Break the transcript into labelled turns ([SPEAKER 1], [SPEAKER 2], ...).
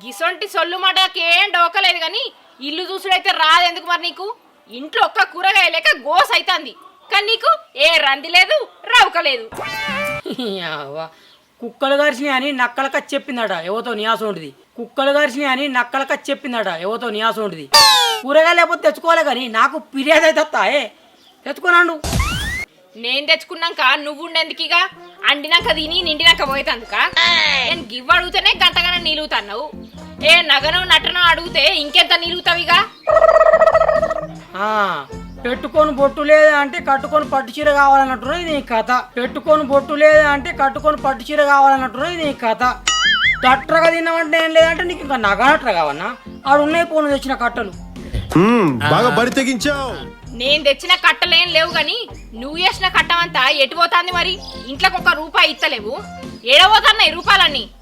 [SPEAKER 1] గిసొంటి సొల్లు మాటకేం డోకలేదు గాని ఇల్లు చూసుడైతే రాదెందుకు మరి నీకు? ఇంట్లో ఒక్క కూరగాయ లేక గోస్ అయితాంది, కానీ నీకు ఏ రంది లేదు రౌకలేదు.
[SPEAKER 2] కుక్కలు గారిసినాయి అని నక్కలక చెప్పిందట ఎవతో నియాసం ఉంటుంది. కుక్కలు గారిసినాయి అని నక్కలక చెప్పిందట ఎవతో నియాసం ఉంటుంది. కూరగాయ లేకపోతే తెచ్చుకోవాలి కానీ నాకు ఫిర్యాదు అయితే వస్తాయే, తెచ్చుకోనండు.
[SPEAKER 1] నేను తెచ్చుకున్నాక నువ్వు ఉండేందుకిగా? అండినాక తిని నిండినాక పోయేతందుక? నేను గివ్వ అడిగితేనే గంటగానే నిలుగుతున్నావు. ఏ నగనం నటనం అడిగితే ఇంకెంత నిలుగుతావిగా?
[SPEAKER 2] పెట్టుకొని బొట్టు లేదా అంటే కట్టుకొని పట్టు చీర కావాలన్నట్టున్నది నీ కథ. పెట్టుకొని బొట్టు లేదా అంటే కట్టుకొని పట్టు చీర కావాలన్నట్టున్నది నీ కథ. దట్రగా తిన్నామంటే ఏం లేదంటే నీకు ఇంకా నగనట్ర కావన్నా? ఆడు ఉన్నాయి పోను తెచ్చిన కట్టలు
[SPEAKER 3] బాగా బరి తెగించావు.
[SPEAKER 1] నేను తెచ్చిన కట్టలేం లేవు గాని నువ్వు చేసిన కట్టమంతా ఎటు పోతాంది మరి? ఇంట్లోకి 1 రూపాయి ఇస్తలేవు, ఏడవోతున్నాయి రూపాయలన్నీ.